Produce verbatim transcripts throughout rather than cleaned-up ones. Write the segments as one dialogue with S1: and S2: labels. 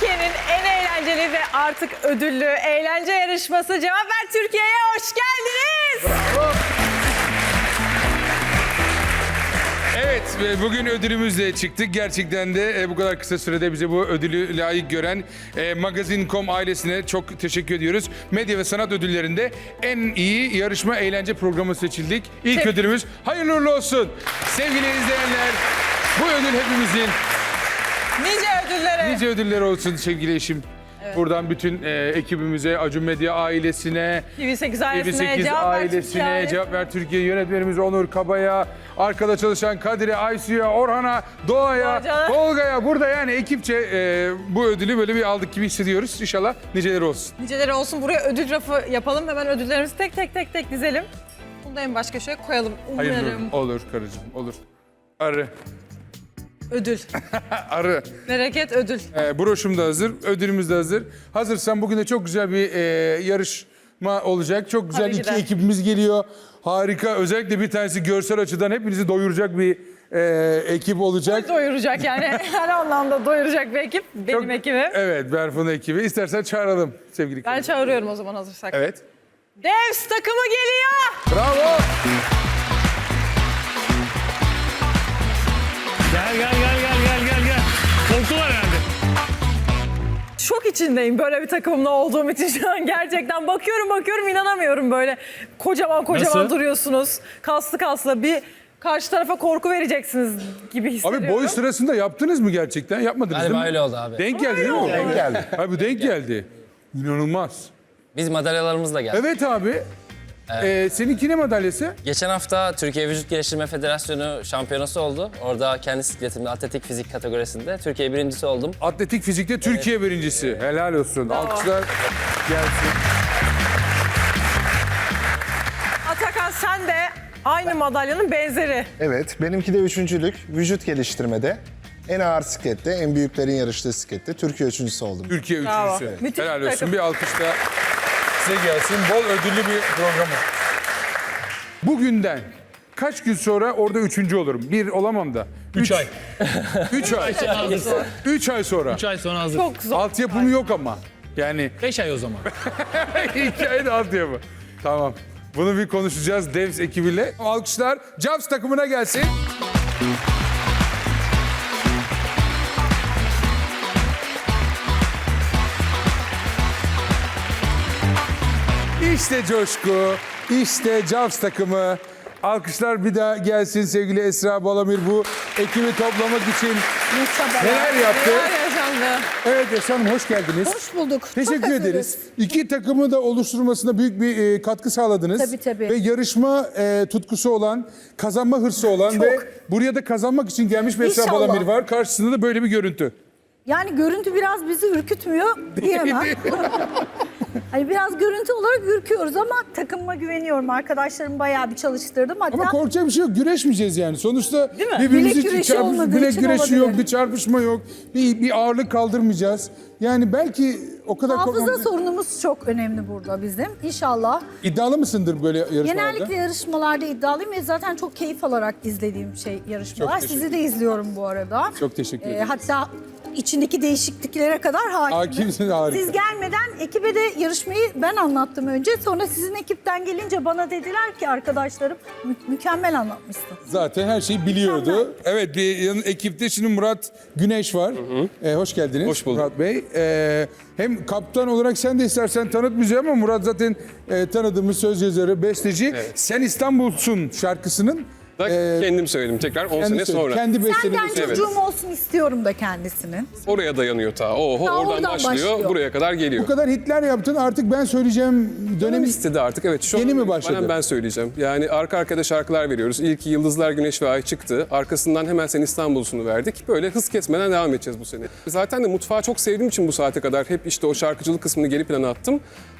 S1: Türkiye'nin en eğlenceli ve artık ödüllü eğlence yarışması Cevap Ver Türkiye'ye hoş geldiniz.
S2: Bravo. Evet, ve bugün ödülümüzle çıktık. Gerçekten de e, bu kadar kısa sürede bize bu ödülü layık gören e, Magazin nokta com ailesine çok teşekkür ediyoruz. Medya ve sanat ödüllerinde en iyi yarışma eğlence programı seçildik. İlk
S1: Te-
S2: ödülümüz hayırlı uğurlu olsun. Sevgili izleyenler, bu ödül hepimizin.
S1: Nice ödüllere.
S2: Nice ödüller olsun sevgili eşim. Buradan bütün e, ekibimize, Acun Medya ailesine,
S1: T V sekiz
S2: T V
S1: ailesine,
S2: sekiz
S1: Cevap Ver
S2: ailesine,
S1: Türkiye
S2: Cevap Ver Türkiye yönetmenimiz Onur Kaba'ya, arkada çalışan Kadir'e, Aysu'ya, Orhan'a, Doğa'ya,
S1: Hocam.
S2: Tolga'ya, burada yani ekipçe e, bu ödülü böyle bir aldık gibi hissediyoruz. İnşallah niceleri olsun.
S1: Niceleri olsun. Buraya ödül rafı yapalım. Hemen ödüllerimizi tek tek tek tek dizelim. Bunu da en baş köşeye koyalım. Umarım.
S2: Hayırlı olur karıcığım, olur. Arı,
S1: Ödül.
S2: arı.
S1: Bereket ödül.
S2: E, broşum da hazır, ödülümüz de hazır. Hazırsan bugün de çok güzel bir e, yarışma olacak. Çok güzel
S1: Tabii ki
S2: iki
S1: de.
S2: ekibimiz geliyor. Harika, özellikle bir tanesi görsel açıdan hepinizi doyuracak bir e, ekip olacak.
S1: Doyuracak yani. Her anlamda doyuracak bir ekip. Benim
S2: Çok-
S1: ekibim.
S2: Evet, Berfun'un ekibi. İstersen çağıralım sevgili
S1: Ben
S2: kardeşim.
S1: çağırıyorum o zaman hazırsak.
S2: Evet.
S1: Devs takımı geliyor.
S2: Bravo.
S3: Gel gel gel gel gel gel gel. Korktular herhalde.
S1: Şok içindeyim böyle bir takımla olduğum için şu an gerçekten. Bakıyorum bakıyorum inanamıyorum böyle. Kocaman kocaman
S3: Nasıl?
S1: duruyorsunuz. Kaslı kaslı bir karşı tarafa korku vereceksiniz gibi hissediyorum.
S2: Abi boy sırasında yaptınız mı gerçekten? Yapmadınız
S4: Galiba
S2: değil mi?
S4: öyle oldu abi.
S2: Denk geldi değil mi?
S1: oldu.
S2: Denk geldi. Abi bu denk geldi. İnanılmaz.
S4: Biz madalyalarımızla geldik.
S2: Evet abi. Ee, seninki ne madalyası?
S4: Geçen hafta Türkiye Vücut Geliştirme Federasyonu şampiyonası oldu. Orada kendi sikletimde atletik fizik kategorisinde Türkiye birincisi oldum.
S2: Atletik fizikte Türkiye birincisi. Helal olsun. Alkışlar gelsin.
S1: Atakan sen de aynı madalyanın benzeri.
S5: Evet, benimki de üçüncülük. Vücut geliştirmede. En ağır siklette, en büyüklerin yarıştığı siklette Türkiye üçüncüsü oldum.
S2: Türkiye
S1: Bravo.
S2: üçüncüsü.
S1: Müthiş
S2: Helal
S1: bir
S2: olsun.
S1: takım.
S2: Bir alkış da size gelsin. Bol ödüllü bir programı. Bugünden kaç gün sonra orada üçüncü olurum? Bir olamam da.
S3: Üç ay.
S2: Üç ay.
S3: Hazır.
S2: Üç ay sonra.
S3: Üç ay sonra hazır.
S1: Çok zor.
S2: Altyapım yok ama. Yani
S3: Beş ay o zaman.
S2: hikaye de altyapı. Tamam. Bunu bir konuşacağız Devs ekibiyle. Alkışlar Jaws takımına gelsin. İşte coşku, işte Jaws takımı. Alkışlar bir daha gelsin sevgili Esra Balamir bu ekibi toplamak için neler yaptı?
S1: Neler yaşandı?
S2: Evet Esra Hanım hoş geldiniz.
S6: Hoş bulduk.
S2: Teşekkür
S6: Çok hazırız.
S2: ederiz. İki takımı da oluşturmasına büyük bir e, katkı sağladınız.
S6: Tabii, tabii.
S2: Ve yarışma e, tutkusu olan, kazanma hırsı olan
S6: Çok.
S2: ve buraya da kazanmak için gelmiş bir Esra
S6: İnşallah.
S2: Balamir var. Karşısında da böyle bir görüntü.
S6: Yani görüntü biraz bizi ürkütmüyor diyemem. Hani biraz görüntü olarak ürküyoruz ama takımıma güveniyorum. Arkadaşlarımı bayağı bir çalıştırdım. Hatta
S2: Ama korkacak bir şey yok. Güreşmeyeceğiz yani. Sonuçta
S1: Değil mi?
S2: birbirimizi
S6: Bilek güreşi
S2: çarpış-
S6: olmadığı
S2: bilek
S6: için
S2: güreşi
S6: olabilir.
S2: yok, bir çarpışma yok. Bir, bir ağırlık kaldırmayacağız. Yani belki o kadar
S6: hafıza
S2: korkmamız-
S6: sorunumuz çok önemli burada bizim. İnşallah.
S2: İddialı mısındır böyle yarışmalarda?
S6: Genellikle yarışmalarda iddialıyım ve zaten çok keyif alarak izlediğim şey yarışmalar.
S2: Çok teşekkür
S6: Sizi de izliyorum bu arada.
S2: Çok teşekkür
S6: Ee,
S2: ederim.
S6: hatta içindeki değişikliklere kadar hakimim.
S2: Hakimsin, harika.
S6: Siz gelmeden ekibe de yarışmayı ben anlattım önce. Sonra sizin ekipten gelince bana dediler ki arkadaşlarım mü- mükemmel anlatmışsın.
S2: Zaten her şeyi biliyordu. Evet, bir yanı ekipte şimdi Murat Güneş var. Ee, hoş geldiniz.
S7: Hoş bulduk.
S2: Murat Bey. Ee, hem kaptan olarak sen de istersen tanıt bizi ama Murat zaten e, tanıdığımız söz yazarı, besteci. Sen İstanbul'sun şarkısının.
S7: Da
S2: e,
S7: kendim söyledim tekrar on
S2: kendi
S7: sene
S2: söyle-
S7: sonra.
S2: Kendi besteni.
S6: Senden çocuğum olsun istiyorum da kendisinin.
S7: Oraya dayanıyor ta. Oho,
S6: Ta
S7: oradan,
S6: oradan
S7: başlıyor,
S6: başlıyor.
S7: buraya kadar geliyor.
S2: Bu kadar hitler yaptın artık ben söyleyeceğim
S7: Dönem
S2: dönemi
S7: istedi artık. Evet, şu
S2: Yeni
S7: an
S2: mi başladı?
S7: itibaren ben söyleyeceğim. Yani arka arkada şarkılar veriyoruz. İlki Yıldızlar, Güneş ve Ay çıktı. Arkasından hemen Sen İstanbul'sunu verdik. Böyle hız kesmeden devam edeceğiz bu sene. Zaten de mutfağı çok sevdiğim için bu saate kadar hep işte o şarkıcılık kısmını geri plana attım.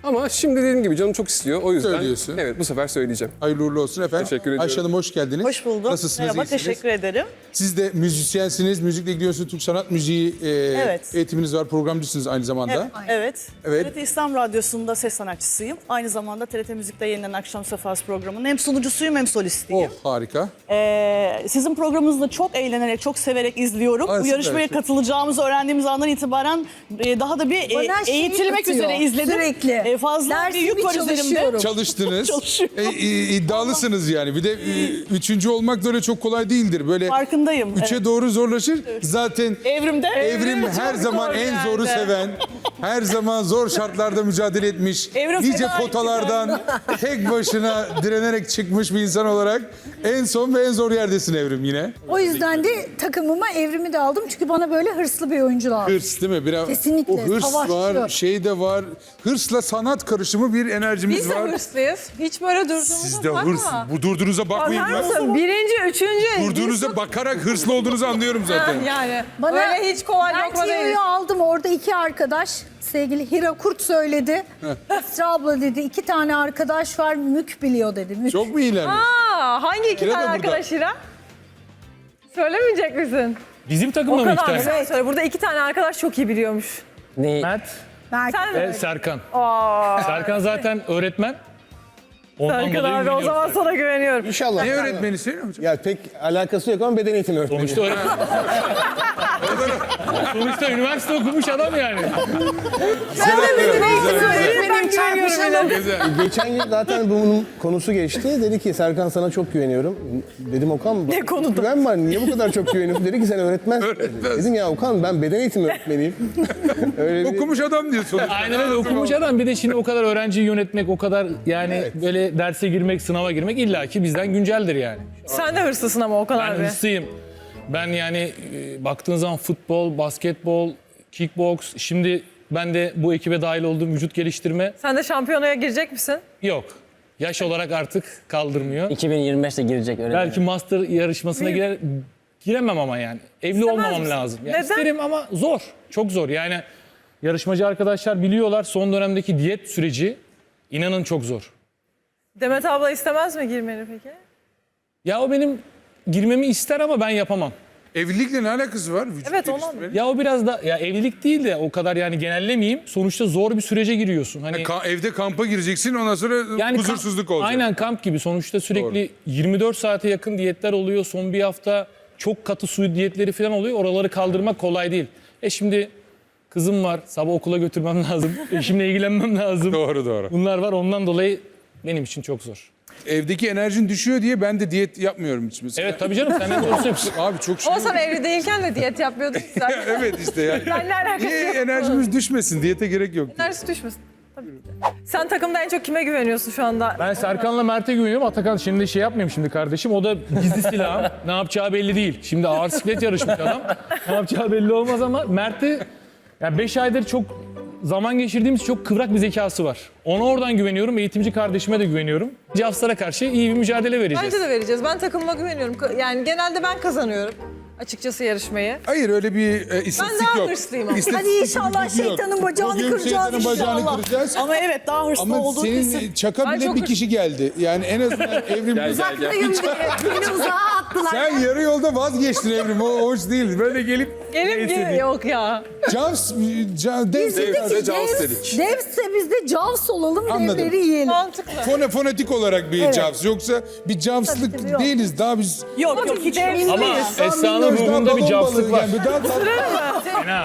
S7: Ama şimdi dediğim gibi canım çok istiyor. O yüzden
S2: Söylüyorsun.
S7: evet bu sefer söyleyeceğim.
S2: Hayırlı uğurlu olsun efendim.
S7: Teşekkür ediyorum.
S2: Ayşe Hanım hoş geldiniz.
S8: Hoş bulduk.
S2: Nasılsınız?
S8: Merhaba,
S2: iyisiniz?
S8: teşekkür ederim.
S2: Siz de müzisyensiniz, müzikle ilgileniyorsunuz. Türk sanat müziği e,
S8: Evet.
S2: eğitiminiz var, programcısınız aynı zamanda.
S8: Evet, evet.
S2: Evet.
S8: T R T İslam Radyosu'nda ses sanatçısıyım. Aynı zamanda T R T Müzik'te yayınlanan Akşam Sefası programının hem sunucusuyum hem solistiyim.
S2: Oh harika.
S8: Ee, sizin programınızı da çok eğlenerek, çok severek izliyorum.
S2: Ay,
S8: Bu
S2: süper.
S8: yarışmaya katılacağımızı öğrendiğimiz andan itibaren e, daha da bir e,
S6: Bana şey
S8: eğitilmek
S6: atıyor,
S8: üzere izledim.
S6: sürekli.
S8: E, fazla bir
S6: Dersimi
S8: yük var üzerimde.
S6: çalışıyorum.
S2: Çalıştınız.
S8: Çalışıyorum.
S2: E, e, iddialısınız yani. Bir de e, üçüncü olmak da öyle çok kolay değildir. Böyle
S8: Farkındayım.
S2: üçe
S8: evet.
S2: doğru zorlaşır. Zaten
S8: Evrimde.
S2: Evrim her
S1: çok
S2: zaman
S1: zor
S2: en
S1: yani.
S2: zoru seven, her zaman zor şartlarda mücadele etmiş,
S8: Evrim
S2: nice
S8: feda
S2: potalardan tek başına direnerek çıkmış bir insan olarak en son ve en zor yerdesin Evrim yine.
S6: O yüzden de takımıma Evrim'i de aldım. Çünkü bana böyle hırslı bir oyuncu lazım.
S2: Hırs değil mi? Biraz
S6: Kesinlikle,
S2: o hırs
S6: savaşçı.
S2: var, şey de var. Hırsla sanat karışımı bir enerjimiz
S1: Biz de
S2: var.
S1: hırslıyız. Hiç böyle durduğumuza
S2: Siz de
S1: bakma.
S2: hırs. Bu durduğunuza bakmayın
S1: Bakar
S2: ben.
S1: mısın? Birinci, üçüncü.
S2: Durduğunuza bakarak hırslı olduğunuzu anlıyorum zaten.
S1: Yani
S6: Bana,
S1: öyle hiç kolay
S6: ben
S1: lokma değil.
S6: Tiyo'yu aldım. Orada iki arkadaş. Sevgili Hira Kurt söyledi. Esra abla dedi. iki tane arkadaş var. Mük biliyor dedi. Mük.
S2: Çok mu iyilermiş?
S1: Aa, hangi iki
S2: Hira
S1: tane
S2: da burada.
S1: arkadaş Hira? Söylemeyecek misin?
S3: Bizim
S1: O
S3: takımda mı iki
S1: kadar
S3: tane?
S1: güzel söyle. Burada iki tane arkadaş çok iyi biliyormuş.
S4: Neyi?
S3: Mert
S6: Belki.
S1: Sen
S3: ve
S1: mi?
S3: Serkan.
S1: Aa,
S3: Serkan zaten öğretmen. Ondan
S1: Serkan
S3: dolayı
S1: abi o
S3: biliyoruz.
S1: zaman sana güveniyorum.
S9: İnşallah.
S2: Ne öğretmeni söylüyor hocam?
S9: Ya pek alakası yok ama beden eğitimi öğretmeni.
S3: Sonuçta öğretmen. Sonuçta üniversite okumuş adam yani.
S6: Benim çarpışalım.
S9: Geçen gün zaten bunun konusu geçti. Dedi ki Serkan sana çok güveniyorum. Dedim Okan
S1: Ne konuda?
S9: güven var niye bu kadar çok güveniyorsun? Dedi ki sen öğretmensin. Dedim ya Okan ben beden eğitimi öğretmeniyim. Öyle bir-
S2: Okumuş adam diyor sonuçta.
S3: Aynen öyle okumuş adam. Bir de şimdi o kadar öğrenciyi yönetmek, o kadar yani böyle derse girmek, sınava girmek illaki bizden günceldir yani.
S1: Sen de hırslısın ama Okan
S3: Ben
S1: abi.
S3: hırslıyım. Ben yani e, baktığın zaman futbol, basketbol, kickbox, şimdi ben de bu ekibe dahil olduğum vücut geliştirme
S1: Sen de şampiyonaya girecek misin?
S3: yok. Yaş olarak artık kaldırmıyor.
S4: iki bin yirmi beşte girecek öyle.
S3: Belki master yarışmasına girer, giremem ama yani. Evli olmamam
S1: misin?
S3: lazım. Yani
S1: Neden?
S3: isterim ama zor. Çok zor. Yani yarışmacı arkadaşlar biliyorlar son dönemdeki diyet süreci inanın çok zor.
S1: Demet abla istemez mi girmeni peki?
S3: Ya o benim girmemi ister ama ben yapamam.
S2: Evlilikle ne alakası var? Vücut
S1: Evet, olan-
S2: geliştirmenin?
S3: Ya o biraz da ya evlilik değil de o kadar yani genellemeyeyim. Sonuçta zor bir sürece giriyorsun. Hani
S2: Ka- evde kampa gireceksin ondan sonra
S3: yani
S2: huzursuzluk
S3: kamp-
S2: olacak.
S3: Aynen kamp gibi. Sonuçta sürekli yirmi dört saate yakın diyetler oluyor. Son bir hafta çok katı su diyetleri falan oluyor. Oraları kaldırmak kolay değil. E şimdi kızım var. Sabah okula götürmem lazım. Eşimle ilgilenmem lazım.
S2: Doğru doğru.
S3: Bunlar var. Ondan dolayı benim için çok zor.
S2: Evdeki enerjin düşüyor diye ben de diyet yapmıyorum hiç mesela.
S3: Evet tabii canım sen ne doğrusu yapıyorsun.
S2: Abi çok şey.
S1: Ama sen evli değilken de diyet yapıyordun ki zaten.
S2: Evet işte yani.
S1: Benle alakası
S2: Niye
S1: yok.
S2: enerjimiz düşmesin? Diyete gerek yok.
S1: Enerjisi düşmesin. Tabii ki de. Sen takımda en çok kime güveniyorsun şu anda?
S3: Ben Serkan'la Mert'e güveniyorum. Atakan şimdi şey yapmayayım şimdi kardeşim. O da gizli silahım. Ne yapacağı belli değil. Şimdi ağır siklet yarışmış adam. Ne yapacağı belli olmaz ama Mert'e yani beş aydır çok zaman geçirdiğimiz çok kıvrak bir zekası var. Ona oradan güveniyorum. Eğitimci kardeşime de güveniyorum. Cafsar'a karşı iyi bir mücadele vereceğiz.
S1: Bence de vereceğiz. Ben takımıma güveniyorum. Yani genelde ben kazanıyorum açıkçası yarışmayı.
S2: Hayır öyle bir e, istatistik
S1: daha
S2: yok.
S1: hırslıyım ama.
S2: İstatistik
S6: Hadi inşallah
S2: bilgi yok.
S6: şeytanın bacağını
S2: Bugün
S6: kıracağız
S2: şeytanın bacağını
S6: inşallah.
S2: kıracağız.
S8: Ama evet daha hırslı
S2: Ama
S8: olduğu
S2: senin
S8: kesin.
S2: çaka
S1: Ben
S2: bile
S1: çok
S2: bir
S1: hırs-
S2: kişi geldi. Yani en azından Evrim...
S6: Uzaktayım diye beni uzağa attılar.
S2: Sen yarı yolda vazgeçtin Evrim. O hoş değil. Böyle gelip
S1: Gelip gibi yok ya.
S2: Javs, Javs,
S6: Biz dedik ki
S7: Devse Jaws
S6: Devs,
S7: dedik.
S6: Devse biz de Jaws olalım,
S2: Anladım.
S6: devleri yiyelim.
S1: Mantıklı.
S2: fone, fonetik olarak bir
S6: Evet.
S2: Javs. Yoksa bir Javs'lık
S6: Tabii, tabii, yok.
S2: değiliz. Daha biz...
S8: Yok yok hiç.
S3: Ama Esra'nın
S2: Minnoş, daha
S3: ruhunda bir
S2: balon
S3: cafslık
S2: balığı
S3: var.
S2: Yani. Daha tatlı,
S3: Fena.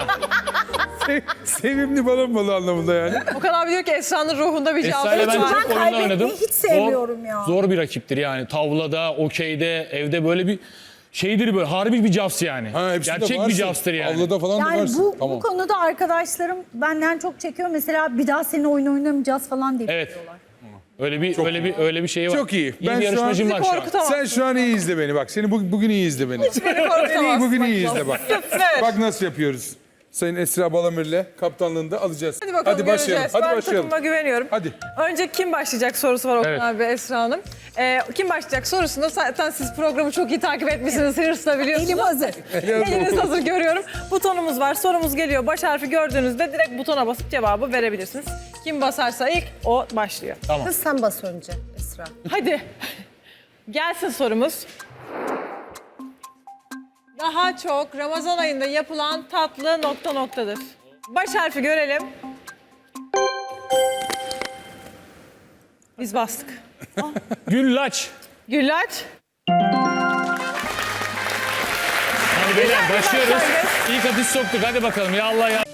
S2: sevimli balon balığı anlamında yani.
S1: Okan abi diyor ki Esra'nın ruhunda bir
S3: Esra'yla ben
S1: cevap var.
S3: çok oyunlar
S6: kaybetmeyi
S3: oynadım.
S6: hiç sevmiyorum
S3: zor,
S6: ya.
S3: Zor bir rakiptir yani. Tavlada, okeyde, evde böyle bir şeydir böyle. Harbi bir cafs yani.
S2: Ha, hepsinde
S3: Gerçek
S2: varsın.
S3: bir cafstır yani.
S2: Avlada falan da
S6: Yani
S2: varsın.
S6: bu,
S2: Tamam.
S6: bu konuda arkadaşlarım benden çok çekiyor. Mesela bir daha seninle oyun oynamayacağız falan diye.
S3: Evet. Öyle bir öyle bir öyle bir şey var.
S2: Çok iyi.
S3: İyi
S2: Ben
S3: bir
S2: şu an-
S3: yarışmacım var şu an.
S1: Korkutamam.
S2: Sen şu an iyi izle beni bak. Seni bugün, bugün iyi izle beni.
S1: Beni korkutamazsın.
S2: Beni bugün iyi izle bak. Bak nasıl yapıyoruz. Sayın Esra Balamir'le kaptanlığında alacağız.
S1: Hadi bakalım
S2: başlayalım.
S1: göreceğiz.
S2: Hadi
S1: ben
S2: başlayalım.
S1: takıma güveniyorum.
S2: Hadi.
S1: Önce kim başlayacak sorusu var Okan
S3: Evet.
S1: abi, Esra Hanım. Ee, kim başlayacak sorusunda zaten siz programı çok iyi takip etmişsiniz, hırsla biliyorsunuz.
S6: Elim hazır.
S1: Eliniz hazır görüyorum. Butonumuz var, sorumuz geliyor. Baş harfi gördüğünüzde direkt butona basıp cevabı verebilirsiniz. Kim basarsa ilk o başlıyor.
S6: Kız sen bas önce Esra.
S1: Hadi. Gelsin sorumuz. Daha çok Ramazan ayında yapılan tatlı nokta noktadır. Baş harfi görelim. Biz bastık.
S3: Güllaç.
S1: Güllaç.
S3: Hadi beyler başlıyoruz.
S1: başlangıç.
S3: İlk atış soktuk. Hadi bakalım ya Allah ya.